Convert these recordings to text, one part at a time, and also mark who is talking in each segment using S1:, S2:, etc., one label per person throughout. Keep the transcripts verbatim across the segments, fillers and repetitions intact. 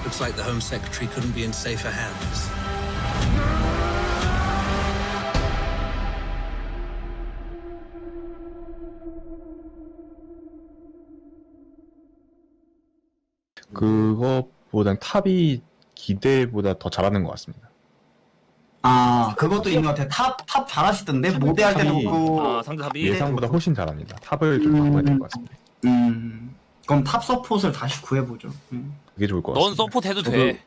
S1: Looks like the Home Secretary couldn't be in safer hands.
S2: 그것보단 탑이 기대보다 더 잘하는 것 같습니다.
S3: 아, 그것도 있는 것 같아요. 탑, 탑 잘하시던데? 모대할 때도
S2: 탑이-
S3: 그렇고.
S4: 아 상대 탑이
S2: 예상보다 훨씬 잘합니다. 탑을 좀 바꿔야 될 것 같습니다.
S3: 음, 그럼 탑 서폿을 다시 구해보죠. 음.
S2: 그게 좋을 것
S4: 넌
S2: 같습니다.
S4: 서포트 해도 돼.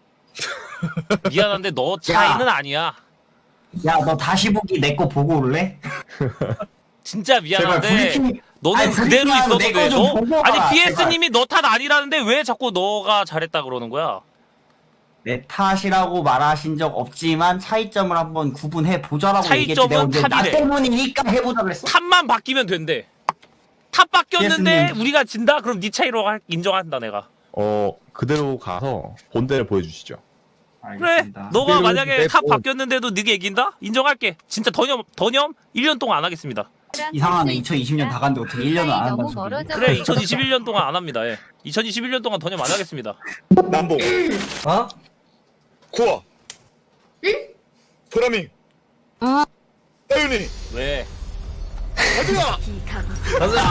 S4: 미안한데 너 차이는 아니야.
S3: 야, 너 다시 보기 내 거 보고 올래?
S4: 진짜
S3: 제발
S4: 미안한데
S3: 브리핑.
S4: 너는
S3: 아니,
S4: 그대로
S3: 브리핑하고
S4: 있어도
S3: 내
S4: 돼.
S3: 거좀
S4: 너
S3: 보고
S4: 아니
S3: 와라,
S4: 비에스님이 너 탓 아니라는데 왜 자꾸 너가 잘했다 그러는 거야?
S3: 내 탓이라고 말하신 적 없지만 차이점을 한번 구분해 보자라고 얘기했지.
S4: 차이점은
S3: 내가 언제 나
S4: 탑이래.
S3: 때문이니까 해보자 그랬어.
S4: 탑만 바뀌면 된대. 탑 바뀌었는데
S3: 비에스님.
S4: 우리가 진다? 그럼 네 차이로 할- 인정한다 내가.
S2: 어 그대로 가서 본대를 보여주시죠.
S4: 그래.
S3: 알겠습니다.
S4: 너가
S5: 그대로
S4: 만약에
S5: 내
S4: 탑
S5: 뭐-
S4: 바뀌었는데도 네가 이긴다? 인정할게. 진짜 더념 더념 일 년 동안 안 하겠습니다.
S3: 이상하네. 이천이십 년 다 갔는데 어떻게 일 년을 안 한다는
S6: 너무
S3: 소리.
S6: 멀어져.
S4: 그래 이천이십일 년 동안 안 합니다. 예. 이천이십일 년 동안 더념 안 하겠습니다.
S5: 남봉
S7: 어?
S5: 구워 응? 도라미
S6: 어.
S5: 따윤이
S4: 왜?
S5: 가자
S7: 가자.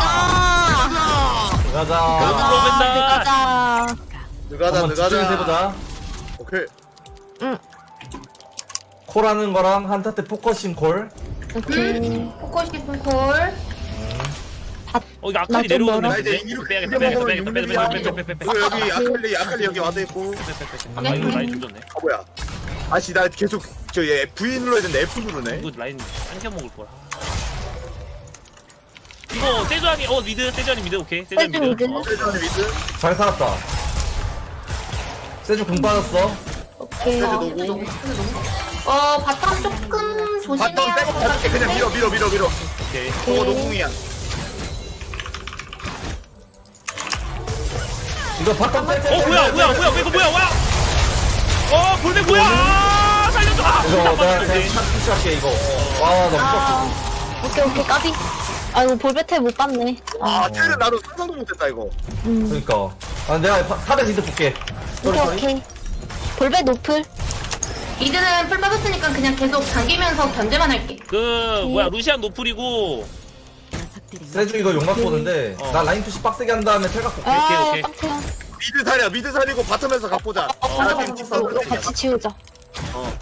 S7: 가자.
S4: 으로 맨날
S6: 가자.
S5: 느가자
S7: 한번 집중해서
S5: 느가자
S7: 해보자.
S5: 오케이
S7: 콜하는 거랑 한타 때 포커싱 콜.
S6: 오케이.
S8: 포커싱 콜.
S4: 어 이거 아칼리
S6: 나좀
S4: 내려오는
S6: 멀어.
S5: 나 이제
S4: 건데?
S5: 이렇게
S4: 빼야겠다 빼야겠다 빼야겠다 빼야겠다 빼야겠다 빼야겠다 빼야겠다
S5: 그리고 여기 아칼리 아칼리 여기 와도 있고
S4: 아 이거 라인 좀 좋네.
S5: 아 뭐야 아씨 나 계속 저얘 V 눌러야 되는데 F 누르네
S4: 이거 라인 당겨 먹을 거라. 이거 세주안이 어 미드 세주안이 미드 오케이 세주안이
S6: 세주
S4: 미드.
S6: 미드.
S5: 세전에 미드
S7: 잘 살았다. 세주 공 빠졌어.
S6: 오케이.
S5: 세주
S8: 어,
S5: 노고
S8: 어, 바텀 조금 조심해야
S5: 바텀
S8: 될
S5: 빼고
S8: 것
S5: 가줄게 그냥 밀어 밀어 밀어 밀어
S4: 오케이.
S5: 저거 노궁이야
S7: 이거 바텀 빼. 빼,
S4: 어
S7: 빼,
S4: 뭐야
S7: 빼,
S4: 뭐야
S7: 빼,
S4: 뭐야 이거 뭐야 뭐야? 어 볼백 뭐야? 아, 살려줘. 아,
S7: 이거
S4: 딱
S7: 내가
S4: 맞췄네.
S7: 그냥 샷 푸시할게 이거. 와, 나
S6: 아.
S7: 무섭다.
S6: 오케이 오케이 까비. 아이고 볼베테 못 봤네.
S5: 아 텔은 나도 상상도 못했다 이거
S6: 음.
S7: 그러니까. 아, 내가 파- 탑에 니드 볼게. 쏘리,
S6: 오케이
S7: 쏘리.
S6: 오케이. 볼베 노플.
S8: 미드는 풀 빠졌으니까 그냥 계속 당기면서 견제만 할게.
S4: 그 뭐야 루시안 노플이고
S7: 세주 이거 용막 보는데
S4: 어.
S7: 나 라인 푸시 빡세게 한 다음에 텔각 볼게.
S6: 아
S4: 오케이.
S6: 깜짝이야.
S5: 미드 살이야 미드 살이고 바텀에서 갖보자
S8: 맞아,
S5: 나중에
S8: 맞아,
S5: 킥싸움
S8: 맞아.
S6: 같이 지우자.
S4: 어.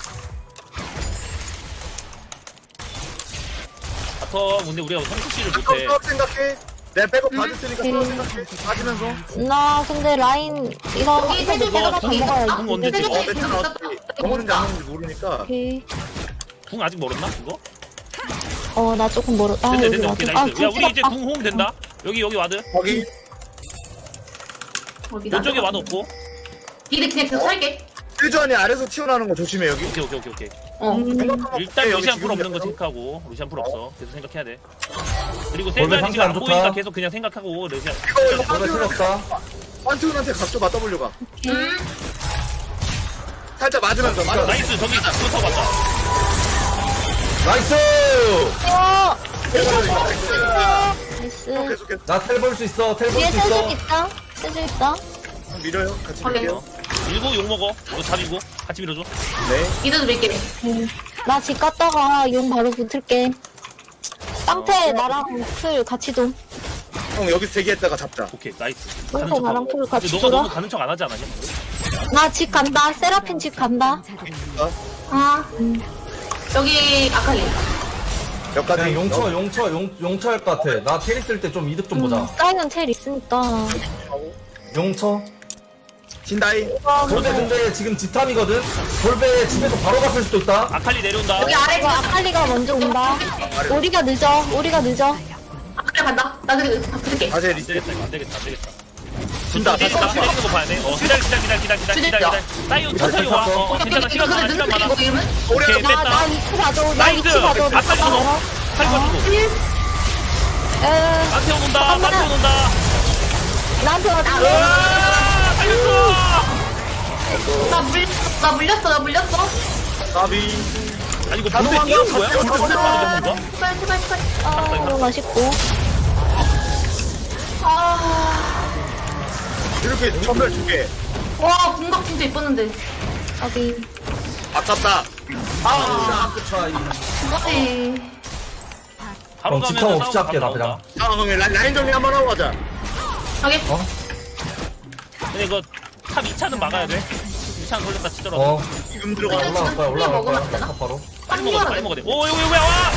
S4: 바텀 근데 우리가 성수씨를 못해.
S5: 수업 생각해 내가 백업 받을 테니까 수업
S6: 음.
S5: 생각해 받으면서
S6: 나 근데 라인 이거
S8: 여기
S6: 이거
S8: 세주
S6: 내가 다
S8: 계속
S6: 먹어야지.
S4: 궁 언제
S8: 세주
S4: 찍어?
S5: 어 괜찮아 어차피 먹는지 안 먹는지 모르니까
S6: 오케이.
S4: 궁 아직 멀었나 그거?
S6: 어 나 조금 멀어. 아
S4: 됐네
S6: 여기
S4: 됐네
S6: 와도.
S4: 오케이
S6: 아
S4: 나이스. 야 우리 이제
S6: 아,
S4: 궁 호응 된다. 여기 여기 와드.
S5: 거기
S8: 어디다?
S4: 왼쪽에 와드 없고.
S8: 미드 그냥 계속 살게.
S5: 세주안이 아래서 튀어나오는 거 조심해 여기
S4: 오케이 오케이 오케이 오케이.
S8: 어.
S6: 음.
S4: 일단
S5: 여기
S4: 루시안
S5: 지금
S4: 풀 없는 거
S5: 약간-
S4: 생각하고 루시안 풀 없어. 계속 생각해야 돼. 그리고
S7: 볼베
S4: 세주안이
S7: 상태
S4: 지금
S7: 안
S4: 안
S7: 좋다.
S4: 보이니까 계속 그냥 생각하고 루시안.
S5: 이거 이거
S7: 볼베
S5: 판티온한테
S7: 틀렸다.
S5: 판티온한테 각좀 맞다보려고 가
S8: 음.
S5: 살짝 맞으면서 맞아
S4: 나이스 저기 그거 타고 왔다.
S7: 나이스!
S6: 어.
S5: 계속
S6: 나이스.
S5: 계속 계속
S7: 나 텔 볼 수 있어. 텔 볼
S6: 뒤에
S7: 수
S6: 세주
S7: 있어.
S6: 있다. 세주 있다.
S5: 밀어요 같이
S8: 오케이.
S5: 밀게요
S4: 밀고 욕 먹어. 이거 잡이고 같이 밀어줘.
S5: 네
S8: 미드도 밀게.
S6: 나 집 갔다가 용 바로 붙을게. 땅태 나랑 풀 같이 돔.
S5: 형 여기 대기했다가 잡자
S4: 오케이 나이스.
S6: 땅태
S4: 가는
S6: 나랑
S4: 척하고.
S6: 풀 같이
S4: 근데 너가
S6: 돌아.
S4: 너무 가는 척 안 하지 않았냐?
S6: 나 집 간다. 세라핀 집 간다.
S8: 아.
S6: 음.
S8: 여기 아칼리.
S5: 여기까지
S7: 그냥 용쳐, 용쳐, 용, 용쳐 할 것 같아. 나 텔 있을 때 좀 이득 좀 보자.
S6: 사이언 텔 있으니까.
S7: 용쳐.
S5: 진다이
S7: 볼베 근데 지금 지탐이거든? 볼베 집에서 바로 갔을 수도 있다.
S4: 아칼리 내려온다.
S8: 여기 아래
S6: 이거 아칼리가 먼저 온다. 우리가 늦어. 우리가 늦어.
S8: 아칼리 간다. 나 그리고 다 붙을게.
S5: 다시
S4: 안
S5: 리셋
S4: 되겠다 이거 안 되겠다 안 되겠다.
S5: 진다
S4: 다시
S5: 다시
S4: 다시 때리는 거 봐야 돼. 어 기다려 기다려 기다려 기다려 기다려 기다려 기다려. 사이온 천천히 와. 어 괜찮아 시간 많아 시간 많아.
S8: 이름은?
S4: 오케이
S6: 나, 나
S4: 뺐다.
S6: 위치 봐줘. 나
S4: 나이스.
S6: 위치 봐줘. 나
S4: 아칼리
S6: 멀어.
S4: 먹어. 칼 가지고.
S6: 에,
S4: 나태온 온다.
S6: 잠깐만.
S4: 나태온 온다.
S6: 나한테 와줘.
S4: 으아 살렸어.
S8: 나 물렸어. 나 물렸어. 나 물렸어.
S5: 나비
S4: 아니 이거 본대 뛰어온 거야? 본대 본대 빠르게 건가?
S8: 제발 제발 제발.
S6: 아, 너무 맛있고.
S8: 아.
S5: 이렇게 전멸 두개
S8: 와 궁각 진짜 이뻤는데.
S6: 어디.
S5: 아깝다.
S7: 아 그쵸 이
S8: 어이.
S4: 바로
S7: 그럼
S4: 가면
S7: 지금 없이 할게, 나 그냥.
S5: 상황에 라인, 라인 정리 한번 하고 가자.
S8: 하게.
S7: 어?
S4: 근데 이거 탑 이 차는 막아야 돼. 이 차는 걸렸다 치더라도.
S7: 어
S5: 지금 들어가.
S7: 올라갈 거야 올라갈
S8: 먹으면
S7: 거야
S8: 되나?
S7: 탑 바로
S4: 빨리 먹어, 빨리 먹어야 돼. 오, 이거 왜 와?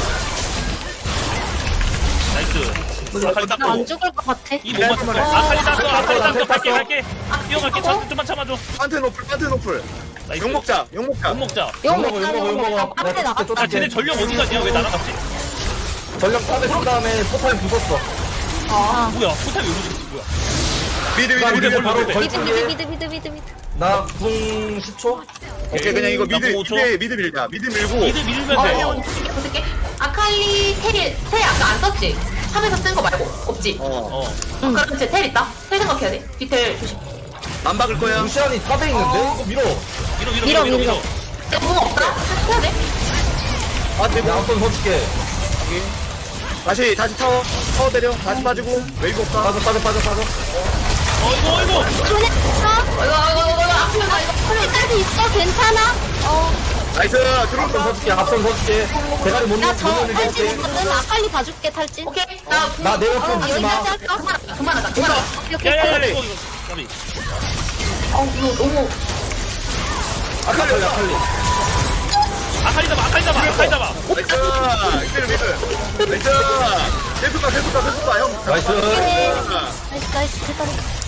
S4: 나이스. 아칼리
S6: 나 안
S4: 닦고.
S6: 죽을 것 같아.
S4: 이 못 맞췄어. 아칼리 닦고, 아칼리 닦고. 갈게, 갈게. 뛰어갈게.
S6: 어?
S4: 참, 좀만 참아줘.
S5: 판테 노플, 판테 노플.
S4: 나이스.
S5: 욕 먹자, 욕 먹자.
S4: 못 먹자.
S6: 용
S7: 욕 먹어,
S6: 먹자,
S7: 욕 먹어,
S6: 용
S7: 욕
S6: 먹자.
S7: 먹어.
S6: 빡대
S7: 내가
S6: 나갔다.
S4: 아, 쟤네 전력 어디 갔냐? 왜 날아갔지?
S7: 전력 탑에 쓴 다음에 포탈 부쉈어
S6: 아.
S4: 뭐야? 포탑이 왜 움직였지? 뭐야?
S5: 미드, 미드,
S7: 나
S5: 미드,
S7: 이제
S5: 미드.
S7: 바로
S5: 미드.
S6: 미드, 미드,
S7: 걸치게
S6: 미드, 미드, 미드, 미드.
S7: 나궁 십 초
S5: 오케이, 그냥 이거
S4: 나
S5: 미드,
S4: 오 초.
S5: 미드, 미드 밀자. 미드 밀고.
S4: 미드 밀면
S8: 어,
S4: 돼.
S8: 어, 어떻게 어떻게? 아칼리 텔, 텔 아까 안 썼지? 탑에서 쓴 거 말고 없지?
S5: 어.
S4: 어.
S8: 응. 그럼 제 텔 있다. 텔 생각해야 돼. 뒤텔 조심.
S5: 안 박을 거야.
S7: 루시안이 탑에 있는데 이거 밀어
S4: 밀어, 밀어,
S6: 밀어,
S4: 밀어, 밀어.
S6: 밀어.
S4: 밀어.
S8: 야, 뭐 없다? 해야 돼?
S5: 아, 대박.
S7: 내가 한번 서줄게
S5: 다시, 다시 타워. 타워 때려. 다시 빠지고. 웨이브 없다.
S7: 빠져 빠져 빠져 빠져
S4: 어이구, 어이구.
S6: 손에 있어?
S8: 이거 이거 이거 이거 아프면 나 이거
S6: 손에까지 있어? 괜찮아? 어.
S5: 나이스.
S7: 앞선
S5: 들어온다.
S7: 서줄게 앞선 서줄게 대가리 못
S6: 나 저
S7: 넣는 게
S6: 탈진
S7: 할게
S6: 있거든. 아칼리 봐줄게, 탈진.
S8: 오케이. 나 궁-
S7: 나 내가
S6: 어,
S7: 좀 주지 마
S6: 여기까지 할까?
S8: 그만하자. 그만하자. 그만하자.
S6: 오케이, 오케이,
S4: 야, 야, 야,
S6: 오케이.
S4: 이거, 이거. 까비.
S8: 어 이거 너무
S7: 아칼리 아칼리
S4: 아칼리 잡아, 아칼리 잡아, 아칼리 잡아.
S5: 나이스. 미드, 미드. 나이스. 계속 가, 계속 가, 계속 가, 형.
S7: 나이스
S6: 나이스, 나이스, 대단해.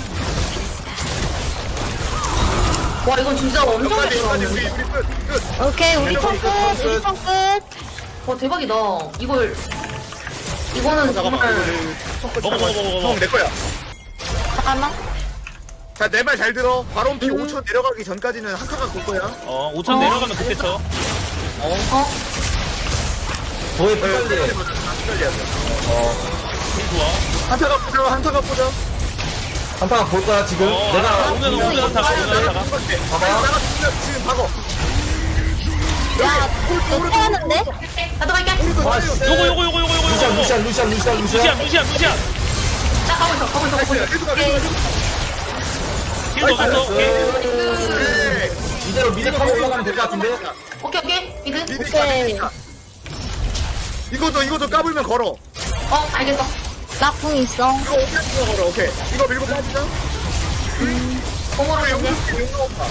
S8: 와 이건 진짜 엄청 잘
S5: 여기까지, 여기까지.
S8: 들어갔네.
S5: 우리, 우리 끝, 끝.
S6: 오케이, 우리 턴 끝, 우리 턴 끝.
S8: 와 대박이다. 이걸 이거는
S5: 잠깐만.
S8: 정말
S5: 이거
S4: 먹어, 먹어, 먹어, 먹어.
S5: 형, 내 거야.
S6: 잠깐만.
S5: 자, 내 말 잘 들어. 바론 피
S6: 음.
S5: 오 초 내려가기 전까지는 한 칸만 볼 거야.
S4: 어, 오천 내려가면 그때 쳐.
S8: 어?
S7: 도에
S5: 네,
S7: 빨리
S5: 끝까지 해야 돼.
S4: 힘 좋아.
S5: 한타가 보자, 한타가 보자.
S7: 한타가 볼 거야 지금
S4: 어,
S7: 내가
S4: 오면 오면 한타가, 오면 한타가.
S7: 봐봐.
S5: 나가 지금, 지금 박어.
S6: 야, 이거 태하는데?
S8: 나도 갈게.
S7: 아씨
S4: 요거, 요거, 요거, 요거, 요거,
S7: 루시안
S4: 요거.
S7: 루시안 루시안 루시안
S4: 루시안,
S7: 루시안
S4: 루시안, 루시안.
S8: 나 가고 있어. 가고 있어. 가고 있어.
S5: 계속 가, 계속 가.
S4: 힐 넣었어. 오케이.
S5: 네.
S7: 이대로 미드 타고 올라가면 될 것 같은데
S8: 오케이 오케이. 미드.
S5: 미드
S6: 오케이.
S5: 있다. 이거도, 이거도 까불면 걸어.
S8: 어 알겠어.
S6: 나 궁 있어.
S5: 이거 오케이, 걸어, 오케이. 이거 밀고 빠지자.
S8: 공으로
S5: 용
S8: 이제.
S5: 용 나온다.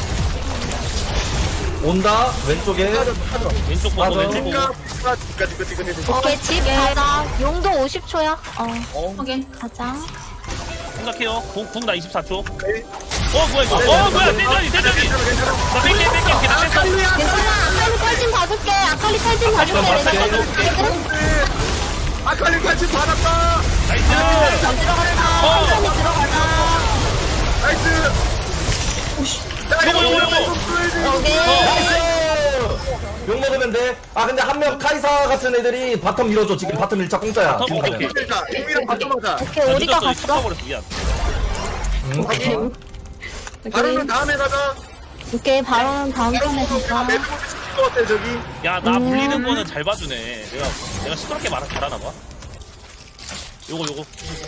S7: 온다 왼쪽에
S4: 왼쪽 보고,
S7: 맞아.
S4: 왼쪽 보고.
S5: 집가, 집가, 집가, 집가, 집가.
S6: 오케이, 집 가자. 용도 오십 초야. 어,
S5: 어,
S8: 확인.
S6: 가자.
S4: 생각해요. 궁, 궁나 이십사 초.
S5: 오케이.
S4: 어, 뭐야, 이거. 어, 뭐야, 대전이, 대전이.
S5: 괜찮아, 괜찮아.
S4: 나 뺄게, 뺄게, 뺄게. 나 뺐어.
S6: 괜찮아. 아칼리 탈진 봐줄게. 아칼리 탈진 봐줄게.
S4: 봐줄게.
S6: 내가
S5: 아칼리 같이 받았다.
S4: 나이스.
S6: 잘 들어간다.
S4: 어.
S6: 천천히 들어가자.
S5: 나이스.
S4: 요거, 요거, 요거.
S6: 오케이.
S7: 욕 먹으면 돼아 근데 한 명 카이사 같은 애들이 바텀 밀어줘 지금 바텀 일 차 공짜야
S4: 바텀
S7: 지금
S4: 오케이,
S7: 가면.
S4: 오케이.
S5: 자, 용이랑 바꿔보자.
S6: 오케이, 우리가
S4: 늦었어,
S6: 갔어.
S4: 씹어버렸어, 미안.
S7: 응?
S5: 바로는 다음에 가자.
S6: 오케이, 바로는 다음 턴에 가자.
S5: 매듭 치는 것 같아, 저기.
S4: 야, 나
S6: 음.
S4: 물리는 거는 잘 봐주네. 내가, 내가 시끄럽게 말하, 잘하나 봐. 요거, 요거.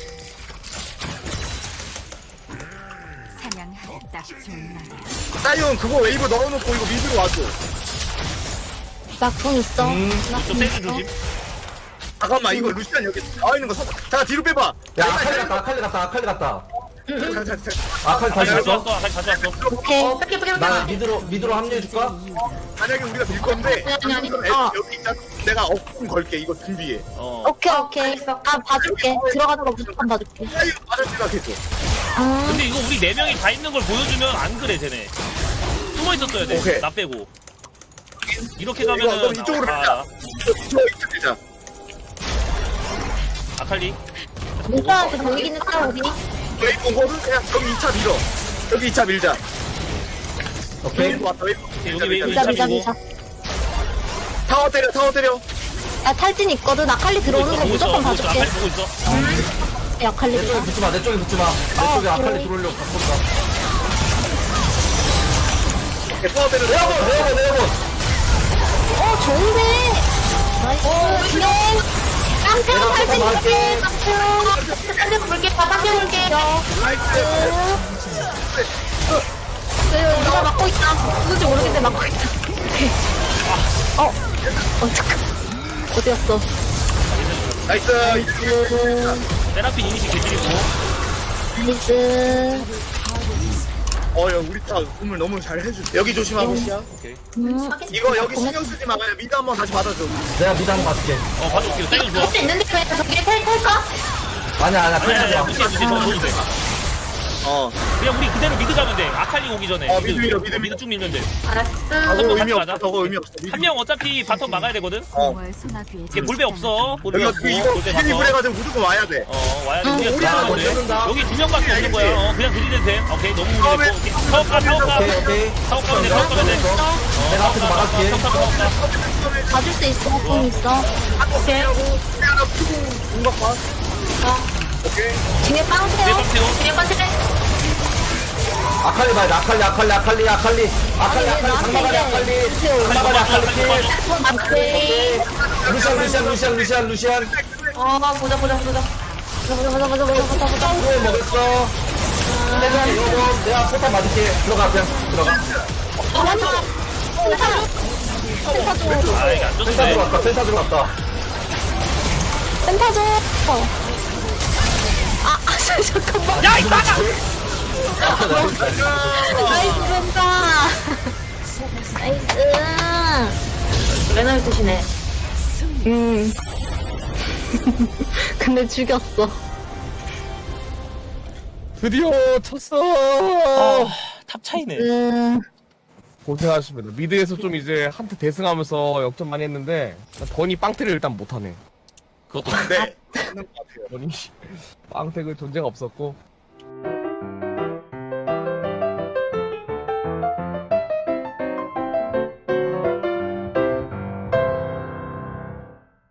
S9: 사냥하기 딱 좋은 날.
S5: 사이온 그거 웨이브 넣어놓고 이거 미드로 와줘.
S6: 나 궁 있어.
S7: 음.
S6: 나
S4: 좀
S6: 궁
S4: 세게
S6: 있어.
S4: 조심.
S5: 잠깐만, 이거 루시안 여기 나와 있는 거 사. 자, 뒤로 빼봐.
S7: 야 아칼리 갔다 아칼리 갔다 아칼리 갔다
S5: 자, 자, 자.
S7: 아칼리
S4: 다시
S7: 다시
S4: 왔어,
S7: 왔어
S4: 다시 다시 왔어.
S6: 오케이.
S8: 어 뺄게 뺄게
S7: 나
S8: 뺄게.
S7: 미드로 미드로 합류해줄까?
S5: 만약에 우리가 밀 건데
S8: 아니, 아니, 아니.
S5: 애-
S6: 어.
S5: 여기 있자. 내가 억품 걸게. 이거 준비해.
S4: 어.
S6: 오케이, 오케이.
S8: 알겠어.
S6: 나 봐줄게. 들어가는 거 무조건 봐줄게.
S5: 사이온 받을 생각해줘.
S6: 음.
S4: 근데 이거 우리 네 명이 다 있는 걸 보여주면 안 그래, 쟤네. 숨어 있었어야 돼.
S5: 오케이.
S4: 나 빼고. 이렇게
S5: 이거
S4: 가면은.
S5: 그럼 이쪽으로
S4: 아,
S5: 밀자. 이거 이쪽 밀자.
S4: 아칼리.
S6: 민서한테 보이긴 했다, 우리.
S5: 웨이브 온 거는 그냥 여기 이 차 밀어. 여기 이 차 밀자.
S7: 오케이
S5: 웨이브 왔다. 웨이브.
S4: 여기 웨이브
S6: 미자, 미자,
S4: 밀고.
S6: 미자.
S5: 타워 때려. 타워 때려.
S6: 야, 탈진 있거든. 아칼리 들어오는 거
S4: 보고 있어,
S6: 무조건
S4: 보고 있어.
S6: 봐줄게.
S4: 아칼리 보고 있어.
S6: 야, 아칼리
S7: 내 쪽에
S6: 들어.
S7: 붙지마 내 쪽에 붙지마 내 쪽에 아칼리
S6: 오케이.
S7: 들어오려고 갖고 온다
S5: 오케이, 타워 때려.
S7: 내어본 내어본 내어본
S6: 어, 좋은데. 나이스. 진행. 깡패 탈진 있지. 깡패.
S8: 딴데 볼게. 다 딴데 볼게.
S5: 나이스.
S6: 막고 있다. 누군지 모르겠는데 막고 있다. 오케이. 어, 어, 잠깐. 어디 갔어?
S5: 나이스.
S6: 나이스.
S4: 세라핀 이니시 개질이고.
S6: 나이스.
S5: 어, 야, 우리 다 꿈을 너무 잘 해주. 여기 조심하고 시야. 오케이.
S6: 음,
S5: 이거 여기 신경 쓰지 마. 그냥 미드 한번 다시 받아줘.
S7: 내가 미드 한번 봐줄게.
S4: 어, 봐줄게요. 사이언 좋아.
S8: 할 수 있는데 그냥 저기 텔 탈까?
S7: 아니야, 아니야,
S4: 아니, 아니,
S7: 텔
S4: 아니, 무시해, 무시해. 넣어도 돼.
S5: 어.
S4: 그냥 우리 그대로 미드 가면 돼. 아칼리 오기 전에.
S5: 어, 미드 밀어, 미드
S4: 미드 쭉 밀면 돼.
S8: 알았어.
S5: 저거
S4: 명
S5: 의미
S4: 같이
S5: 없어.
S4: 가자.
S5: 저거 의미 없어. 미드
S4: 한 명 어차피 바텀 막아야 되거든?
S5: 어.
S4: 이게 볼배 없어. 볼배
S5: 여기가
S4: 없고.
S5: 그 이거
S4: 볼배
S5: 비즈니
S4: 가서.
S5: 브레가지고 무조건 와야 돼.
S4: 어, 와야 돼. 우리가
S7: 야,
S4: 들어가면
S7: 먼저
S4: 돼.
S7: 든다.
S4: 여기 두 명밖에 없는 거야. 어, 그냥 들이대도 돼. 오케이, 너무
S5: 처음에
S4: 무리했고. 오케이. 사업 가, 사업 가.
S7: 오케이, 오케이.
S4: 사업 가면 돼, 사업 가면 돼.
S7: 내가 앞에서 막아줄게.
S4: 사업 가, 사업 가.
S6: 봐줄 수 있어. 공 있어.
S5: 오케이. 하나 푸고 공각 봐. 오케이.
S6: 뒤에
S4: 내
S6: 빵태요.
S4: 방 태워.
S8: 그냥 빠지래.
S7: 아칼리 봐야 돼. 아칼리, 아칼리, 아칼리, 아칼리. 아칼리,
S6: 아니, 왜
S7: 아칼리,
S6: 나한테
S7: 상마가리, 아칼리. 상마가리, 아칼리 킬.
S6: 맞지?
S7: 루시안, 루시안, 루시안, 루시안, 루시안.
S8: 어, 보자, 보자, 보자.
S6: 보자, 보자, 보자, 보자, 보자, 보자.
S7: 후에 먹었어. 내가 이거 내가 포탑 맞을게. 들어가, 그냥 들어가.
S6: 어, 맞아. 센터 줘. 센터 줘.
S4: 아, 이게 안
S7: 센터
S4: 좋네.
S7: 들어갔다, 센터 들어갔다.
S6: 센터 줘. 아, 아, 잠깐만.
S4: 야, 이 나가!
S6: 나이스 센터. 나이스.
S8: 매너를 쓰시네.
S6: 음. 근데 죽였어.
S9: 드디어 쳤어.
S4: 아, 탑 차이네.
S6: 음.
S9: 고생하셨습니다. 미드에서 좀 이제 한테 대승하면서 역전 많이 했는데 버니 빵태를 일단 못하네.
S4: 그것도
S5: 네. 맞는 것 같아요.
S9: 버니 빵태그 존재가 없었고